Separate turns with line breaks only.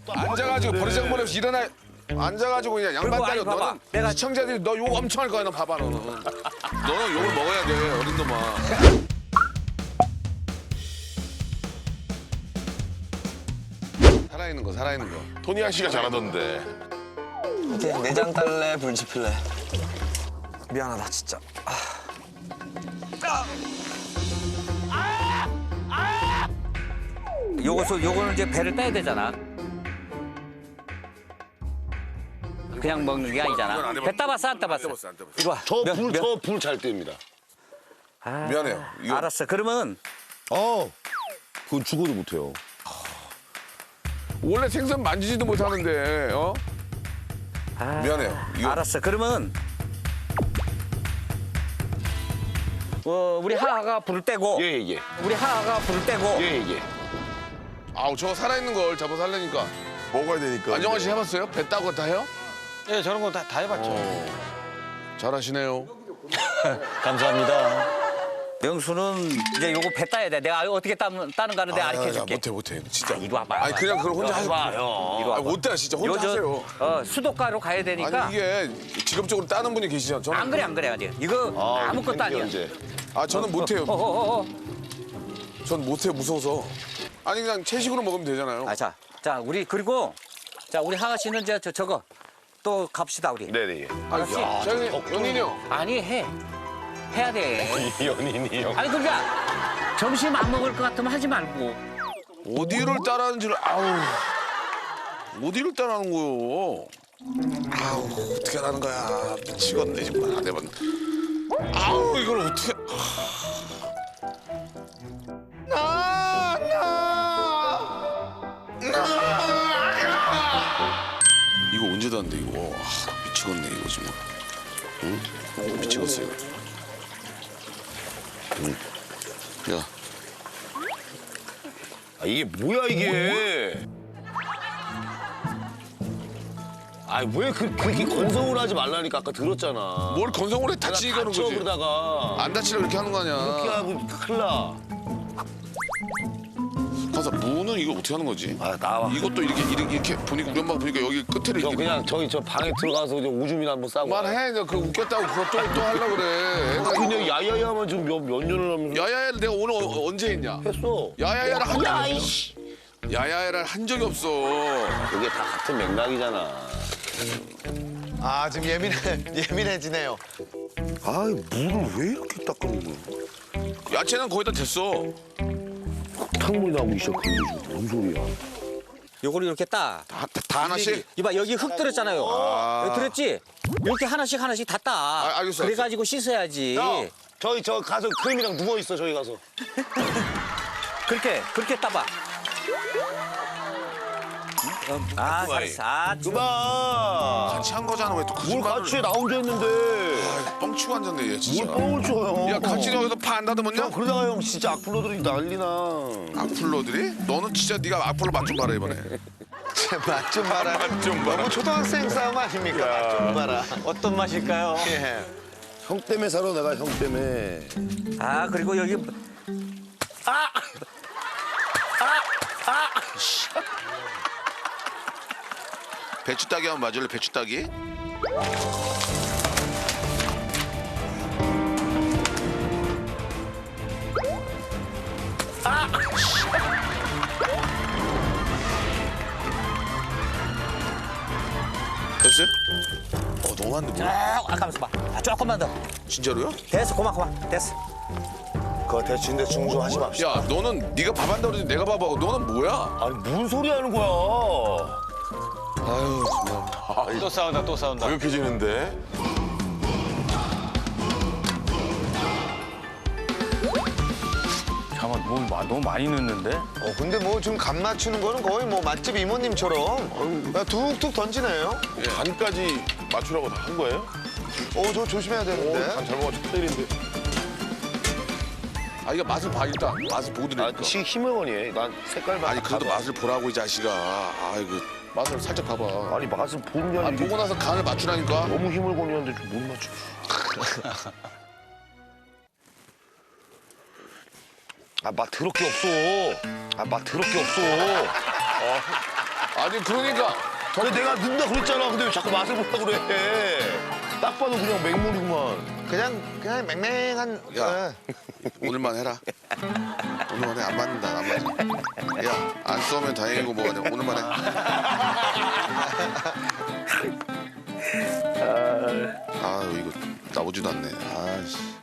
앉아가지고 버리장머리 없이 일어나. 앉아가지고 그냥 양반
아니,
따려.
봐봐.
너는
내가-
시청자들이 너 욕 엄청 할 거야. 너 봐봐 너는. 너는 욕을 먹어야 돼 어린 놈아. 살아있는 거 살아있는 거.
토니아 씨가 잘하던데.
이제 내장 딸래 불지필래. 미안하다 진짜.
요거는 이제 배를 빼야 되잖아. 그냥 먹는 게
이건 안
아니잖아.
해봤-
배 따봤어 안 따봤어?
안 떼봤어.
이리 와.
저 불 잘 띱니다.
아,
미안해요. 이거-
알았어. 그러면
그건 죽어도 못해요.
원래 생선 만지지도 못하는데 어? 미안해요. 이거-
알았어. 그러면 우리 하하가 불을 떼고
예예.
우리 하하가 불을 떼고
예예.
아우 저거 살아있는 걸 잡아서 하려니까.
먹어야 되니까.
안정환 씨 해봤어요? 배 따고 다 해요?
예, 저런 거 다 해봤죠.
잘하시네요.
감사합니다.
명수는 이제 요거 배 따야 돼. 내가 어떻게 따는 가는 내가 가르쳐 줄게.
못해 진짜.
이리 와봐.
아니 그냥 그걸 혼자 하세요.
이리 와봐.
못돼 진짜 혼자 하세요.
수도가로 가야 되니까.
아니 이게 직업적으로 따는 분이 계시죠. 저는
안 그래 아직. 이거 아무것도 아니야.
저는 못해요.
어어어.
전 못해요 무서워서. 아니 그냥 채식으로 먹으면 되잖아요.
자 우리 그리고 자 우리 하하 씨는 이제 저거 또 갑시다 우리.
네네.
알았지?
저기 연인이 형.
아니 해야 돼.
연인이 형.
아니 그러니까 점심 안 먹을 것 같으면 하지 말고.
어디를 따라하는지를 어디를 따라하는 거요? 어떻게 하는 거야? 미치겠네 정말 안 해봤. 이걸 어떻게? 이거 언제 다는데 이거 미치겠네 이거 지금. 응? 미치겠어 이거. 야.
이게 뭐야 이게? 왜 그렇게 건성을 하지 말라니까 아까 들었잖아.
뭘 건성으로 해 다치게 하는
다쳐
거지.
그러다가
안 다치려고 이렇게 하는 거
그렇게
아니야.
하고 큰일 나.
가서 무는 이거 어떻게 하는 거지?
나와.
이것도 이렇게 보니까 우리 엄마가 보니까 여기 끝에를
저
이렇게
그냥 저기 저 방에 들어가서 이제 오줌이나 한번 싸고.
말해. 너 그거 웃겼다고 그거 또 하려고 그래. 애가
그냥
이거-
야야야만 지금 몇 년을 하면서
야야야를 내가 오늘 언제 했냐?
했어.
야야야를 한 적이 없어.
이씨.
야야야를 한 적이 없어.
그게 다 같은 맥락이잖아.
지금 예민해지네요.
물을 왜 이렇게 닦는 거야?
야채는 거의 다 됐어.
탕물이 나오기 시작한 거지. 뭔 소리야?
요거를 이렇게 따.
다 하나씩?
이봐 여기 흙 들었잖아요. 여기 들었지? 이렇게 하나씩 다 따.
알겠어,
그래가지고 씻어야지.
저기 저 가서 크림이랑 누워 있어 저기 가서.
그렇게 따봐. 잘했어.
그만.
같이 한 거잖아. 왜 또
뭘
거짓말을.
같이 나 혼자 했는데.
뻥치고 앉았네 얘 진짜.
뭘 뻥을 쳐요.
야 같이 여기서 파 안 닫으면요?
형 그러다가 형 진짜 악플러들이 난리나.
악플러들이? 너는 진짜 네가 악플러 맛 좀 봐라 이번에.
맛 좀 봐라.
맛 좀 봐라.
너무 초등학생 싸움 아닙니까? 맛 좀 봐라. 어떤 맛일까요? 예.
형 때문에 살아 내가 형 때문에.
그리고 여기
배추 따기 한번 맞을래? 배추 따기? 됐어요? 너무 안 돼.
가만있어 봐. 조금만 더.
진짜로요?
됐어. 그만. 됐어.
그거 대충 중수하지 맙시다.
야 너는 네가 밥 한다 그러지 내가 밥하고 너는 뭐야?
아니 무슨 소리 하는 거야?
아유 정말.
또 싸운다.
어색해지는데.
잠깐만, 너무 많이 넣는데?
근데 뭐 지금 간 맞추는 거는 거의 뭐 맛집 이모님처럼 그냥 툭툭 던지네요.
간까지 맞추라고 다 한 거예요?
저 조심해야 되는데.
간 잘못 첫 때린데.
이거 맛을 봐 일단. 맛을 보고 드리니까.
지 힘을 거니. 난 색깔 봐.
아니 그래도 맛을 보라고 이 자식아. 아이고 맛을 살짝 봐봐.
아니 맛을 보는 게 아니라
보고 나서 간을 맞추라니까.
너무 힘을 거니는데 좀 못 맞춰. 맛 더럽게 없어. 맛 더럽게 없어.
아니 그러니까
근데 내가 넣는다 그랬잖아. 근데 왜 자꾸 맛을 보려고 그래? 딱 봐도 그냥 맹물이구만.
그냥 맹맹한.
야. 오늘만 해라. 오늘만 해. 안 맞는다. 안 맞아. 야, 안 쏘면 다행이고 뭐가 돼. 오늘만 해. 아유, 이거 나오지도 않네. 아씨.